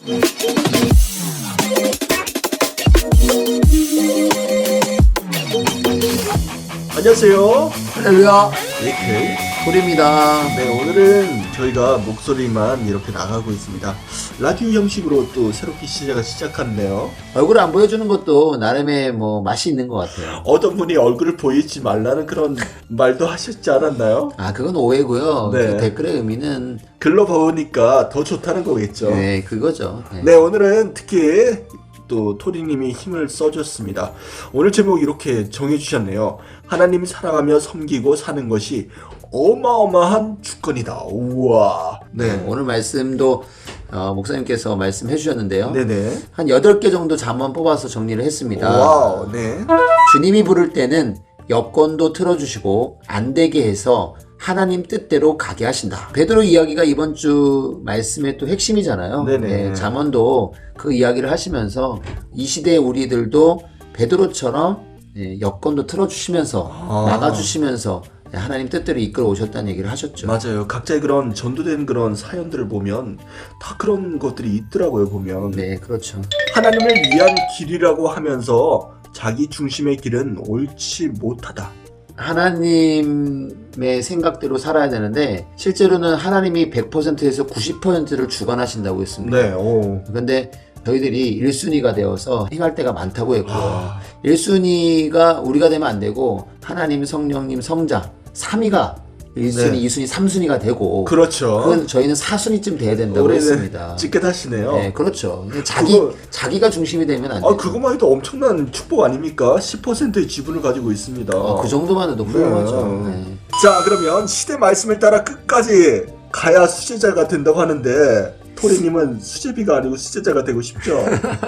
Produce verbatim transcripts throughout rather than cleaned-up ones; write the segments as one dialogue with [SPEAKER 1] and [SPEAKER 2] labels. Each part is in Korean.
[SPEAKER 1] 안녕하세요.
[SPEAKER 2] 할렐루야.
[SPEAKER 1] 에이케이
[SPEAKER 2] 소리입니다.
[SPEAKER 1] 네, 오늘은 저희가 목소리만 이렇게 나가고 있습니다. 라디오 형식으로 또 새롭게 시작을 시작한대요.
[SPEAKER 2] 얼굴 안 보여주는 것도 나름의 뭐 맛이 있는 것 같아요.
[SPEAKER 1] 어떤 분이 얼굴을 보이지 말라는 그런 말도 하셨지 않았나요?
[SPEAKER 2] 아, 그건 오해고요.
[SPEAKER 1] 네.
[SPEAKER 2] 그 댓글의 의미는
[SPEAKER 1] 글로 보니까 더 좋다는 거겠죠.
[SPEAKER 2] 네, 그거죠. 네.
[SPEAKER 1] 네, 오늘은 특히 또 토리님이 힘을 써줬습니다. 오늘 제목 이렇게 정해주셨네요. 하나님 사랑하며 섬기고 사는 것이 어마어마한 주권이다. 우와.
[SPEAKER 2] 네,
[SPEAKER 1] 네.
[SPEAKER 2] 오늘 말씀도 어, 목사님께서 말씀해 주셨는데요.
[SPEAKER 1] 네네.
[SPEAKER 2] 한 여덟 개 정도 잠만 뽑아서 정리를 했습니다.
[SPEAKER 1] 와우. 네.
[SPEAKER 2] 주님이 부를 때는 여건도 틀어주시고 안 되게 해서 하나님 뜻대로 가게 하신다. 베드로 이야기가 이번 주 말씀의 또 핵심이잖아요.
[SPEAKER 1] 네네.
[SPEAKER 2] 네, 잠언도 그 이야기를 하시면서 이 시대의 우리들도 베드로처럼 예, 여건도 틀어주시면서
[SPEAKER 1] 아.
[SPEAKER 2] 막아주시면서 하나님 뜻대로 이끌어 오셨다는 얘기를 하셨죠.
[SPEAKER 1] 맞아요. 각자의 그런 전도된 그런 사연들을 보면 다 그런 것들이 있더라고요. 보면
[SPEAKER 2] 네, 그렇죠.
[SPEAKER 1] 하나님을 위한 길이라고 하면서 자기 중심의 길은 옳지 못하다.
[SPEAKER 2] 하나님의 생각대로 살아야 되는데 실제로는 하나님이 백 퍼센트에서 구십 퍼센트를 주관하신다고 했습니다.
[SPEAKER 1] 네. 오.
[SPEAKER 2] 그런데 저희들이 일 순위가 되어서 행할 때가 많다고 했고요.
[SPEAKER 1] 아.
[SPEAKER 2] 일 순위가 우리가 되면 안 되고 하나님, 성령님, 성자 삼 위가 일 순위,
[SPEAKER 1] 네.
[SPEAKER 2] 이 순위, 삼 순위가 되고
[SPEAKER 1] 그렇죠.
[SPEAKER 2] 그건 저희는 사 순위쯤 돼야 된다고
[SPEAKER 1] 우리는
[SPEAKER 2] 했습니다.
[SPEAKER 1] 찌끗하시네요.
[SPEAKER 2] 네, 그렇죠. 근데 자기,
[SPEAKER 1] 그거-
[SPEAKER 2] 자기가 중심이 되면 안
[SPEAKER 1] 아,
[SPEAKER 2] 돼요.
[SPEAKER 1] 그것만 해도 엄청난 축복 아닙니까? 십 퍼센트의 지분을 가지고 있습니다.
[SPEAKER 2] 어, 그 정도만 해도 훌륭하죠.
[SPEAKER 1] 네.
[SPEAKER 2] 네.
[SPEAKER 1] 자, 그러면 시대 말씀을 따라 끝까지 가야 수제자가 된다고 하는데 토리님은 수제비가 아니고 수제자가 되고 싶죠?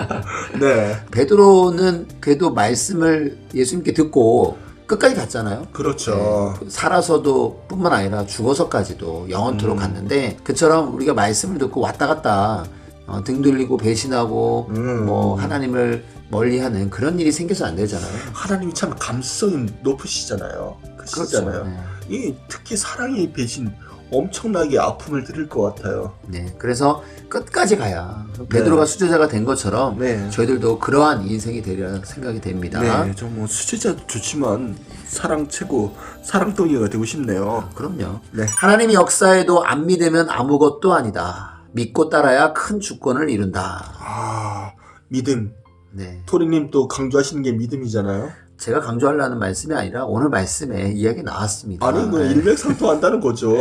[SPEAKER 1] 네,
[SPEAKER 2] 베드로는 그래도 말씀을 예수님께 듣고 끝까지 갔잖아요.
[SPEAKER 1] 그렇죠.
[SPEAKER 2] 네, 살아서도 뿐만 아니라 죽어서까지도 영원토록
[SPEAKER 1] 음.
[SPEAKER 2] 갔는데 그처럼 우리가 말씀을 듣고 왔다 갔다 어, 등 돌리고 배신하고
[SPEAKER 1] 음.
[SPEAKER 2] 뭐 하나님을 멀리하는 그런 일이 생겨서 안 되잖아요.
[SPEAKER 1] 하나님이 참 감수성이 높으시잖아요. 크시잖아요.
[SPEAKER 2] 네.
[SPEAKER 1] 이 특히 사랑의 배신 엄청나게 아픔을 드릴 것 같아요.
[SPEAKER 2] 네, 그래서 끝까지 가야 베드로가
[SPEAKER 1] 네.
[SPEAKER 2] 수제자가 된 것처럼
[SPEAKER 1] 네.
[SPEAKER 2] 저희들도 그러한 인생이 되리라 생각이 됩니다.
[SPEAKER 1] 네, 저 뭐 수제자도 좋지만 사랑 최고 사랑덩이가 되고 싶네요.
[SPEAKER 2] 그럼요.
[SPEAKER 1] 네.
[SPEAKER 2] 하나님의 역사에도 안 믿으면 아무것도 아니다. 믿고 따라야 큰 주권을 이룬다.
[SPEAKER 1] 아, 믿음.
[SPEAKER 2] 네,
[SPEAKER 1] 토리님 또 강조하시는 게 믿음이잖아요.
[SPEAKER 2] 제가 강조하려는 말씀이 아니라 오늘 말씀에 이야기 나왔습니다.
[SPEAKER 1] 아니, 뭐
[SPEAKER 2] 네.
[SPEAKER 1] 일맥상통한다는 거죠.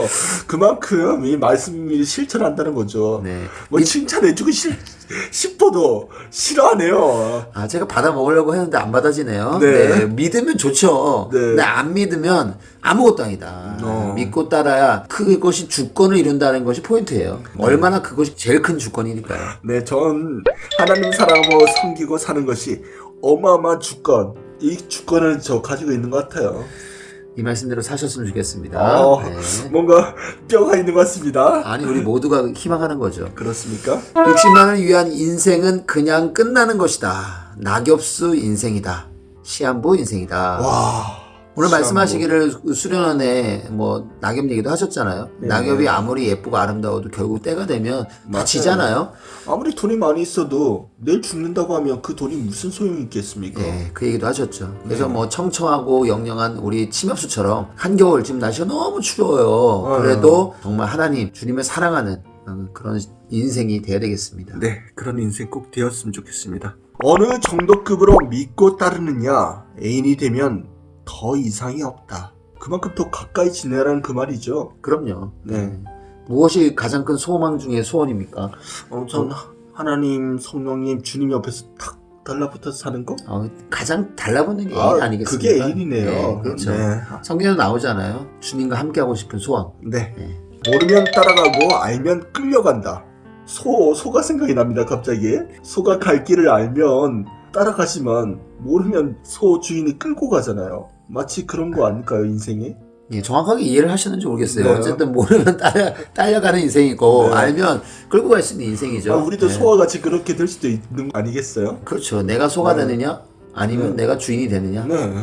[SPEAKER 1] 그만큼 이 말씀이 실천한다는 거죠.
[SPEAKER 2] 네.
[SPEAKER 1] 뭐 칭찬해주고 싶, 싶어도 싫어하네요.
[SPEAKER 2] 아, 제가 받아 먹으려고 했는데 안 받아지네요.
[SPEAKER 1] 네.
[SPEAKER 2] 네, 믿으면 좋죠.
[SPEAKER 1] 네.
[SPEAKER 2] 근데 안 믿으면 아무것도 아니다.
[SPEAKER 1] 어.
[SPEAKER 2] 믿고 따라야 그것이 주권을 이룬다는 것이 포인트예요. 얼마나 그것이 제일 큰 주권이니까요.
[SPEAKER 1] 네, 전 하나님 사랑하고 섬기고 사는 것이 어마어마한 주권. 이 주권을 저 가지고 있는 것 같아요.
[SPEAKER 2] 이 말씀대로 사셨으면 좋겠습니다.
[SPEAKER 1] 어,
[SPEAKER 2] 네.
[SPEAKER 1] 뭔가 뼈가 있는 것 같습니다.
[SPEAKER 2] 아니, 우리 모두가 희망하는 거죠.
[SPEAKER 1] 그렇습니까?
[SPEAKER 2] 육십만을 위한 인생은 그냥 끝나는 것이다. 낙엽수 인생이다. 시한부 인생이다.
[SPEAKER 1] 와.
[SPEAKER 2] 오늘
[SPEAKER 1] 시한부.
[SPEAKER 2] 말씀하시기를 수련원에 뭐 낙엽 얘기도 하셨잖아요.
[SPEAKER 1] 네.
[SPEAKER 2] 낙엽이 아무리 예쁘고 아름다워도 결국 때가 되면 다
[SPEAKER 1] 맞아요.
[SPEAKER 2] 지잖아요.
[SPEAKER 1] 아무리 돈이 많이 있어도 내일 죽는다고 하면 그 돈이 무슨 소용이 있겠습니까?
[SPEAKER 2] 네, 그 얘기도 하셨죠. 그래서
[SPEAKER 1] 네.
[SPEAKER 2] 뭐 청청하고 영영한 우리 침엽수처럼 한겨울 지금 날씨가 너무 추워요.
[SPEAKER 1] 아유.
[SPEAKER 2] 그래도 정말 하나님 주님을 사랑하는 그런 인생이 돼야 되겠습니다.
[SPEAKER 1] 네, 그런 인생 꼭 되었으면 좋겠습니다. 어느 정도급으로 믿고 따르느냐, 애인이 되면 더 이상이 없다. 그만큼 더 가까이 지내라는 그 말이죠.
[SPEAKER 2] 그럼요.
[SPEAKER 1] 네.
[SPEAKER 2] 무엇이 가장 큰 소망 중에 소원입니까?
[SPEAKER 1] 어, 전 하나님, 성령님, 주님 옆에서 탁 달라붙어서 사는 거?
[SPEAKER 2] 어, 가장 달라붙는 게 애인
[SPEAKER 1] 아,
[SPEAKER 2] 아, 니겠습니까?
[SPEAKER 1] 그게 애인이네요.
[SPEAKER 2] 네, 그렇죠.
[SPEAKER 1] 네.
[SPEAKER 2] 성경에 나오잖아요. 주님과 함께하고 싶은 소원.
[SPEAKER 1] 네.
[SPEAKER 2] 네.
[SPEAKER 1] 모르면 따라가고 알면 끌려간다. 소, 소가 생각이 납니다, 갑자기. 소가 갈 길을 알면 따라가지만 모르면 소 주인이 끌고 가잖아요. 마치 그런 거 아닐까요, 인생이?
[SPEAKER 2] 예, 정확하게 이해를 하시는지 모르겠어요.
[SPEAKER 1] 네.
[SPEAKER 2] 어쨌든 모르면 딸려, 딸려가는 인생이고
[SPEAKER 1] 네.
[SPEAKER 2] 알면 끌고 갈 수 있는 인생이죠.
[SPEAKER 1] 아, 우리도
[SPEAKER 2] 네.
[SPEAKER 1] 소와 같이 그렇게 될 수도 있는 거 아니겠어요?
[SPEAKER 2] 그렇죠. 내가 소가
[SPEAKER 1] 네.
[SPEAKER 2] 되느냐 아니면
[SPEAKER 1] 네.
[SPEAKER 2] 내가 주인이 되느냐.
[SPEAKER 1] 네.
[SPEAKER 2] 네,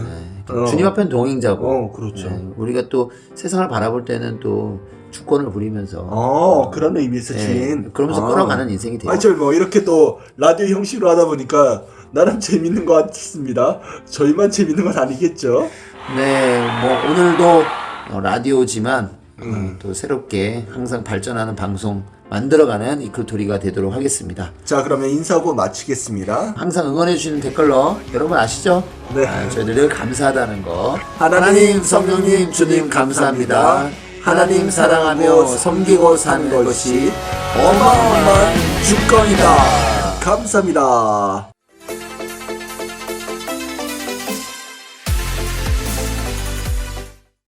[SPEAKER 1] 어.
[SPEAKER 2] 주님 앞엔 동행자고.
[SPEAKER 1] 어, 그렇죠.
[SPEAKER 2] 네, 우리가 또 세상을 바라볼 때는 또 주권을 부리면서
[SPEAKER 1] 어, 그런 의미에서
[SPEAKER 2] 네,
[SPEAKER 1] 주인.
[SPEAKER 2] 그러면서
[SPEAKER 1] 아.
[SPEAKER 2] 끌어가는 인생이 돼요.
[SPEAKER 1] 아니, 저뭐 이렇게 또 라디오 형식으로 하다 보니까 나름 재밌는 것 같습니다. 저희만 재밌는 건 아니겠죠?
[SPEAKER 2] 네, 뭐 오늘도 어, 라디오지만
[SPEAKER 1] 음.
[SPEAKER 2] 어, 또 새롭게 항상 발전하는 방송 만들어가는 이클토리가 되도록 하겠습니다.
[SPEAKER 1] 자, 그러면 인사하고 마치겠습니다.
[SPEAKER 2] 항상 응원해주시는 댓글러 여러분 아시죠?
[SPEAKER 1] 네.
[SPEAKER 2] 아, 저희들 늘 감사하다는 거.
[SPEAKER 1] 하나님,
[SPEAKER 2] 성령님, 주님 감사합니다. 하나님 사랑하며 섬기고 사는 것이 어마어마한 주권이다.
[SPEAKER 1] 감사합니다.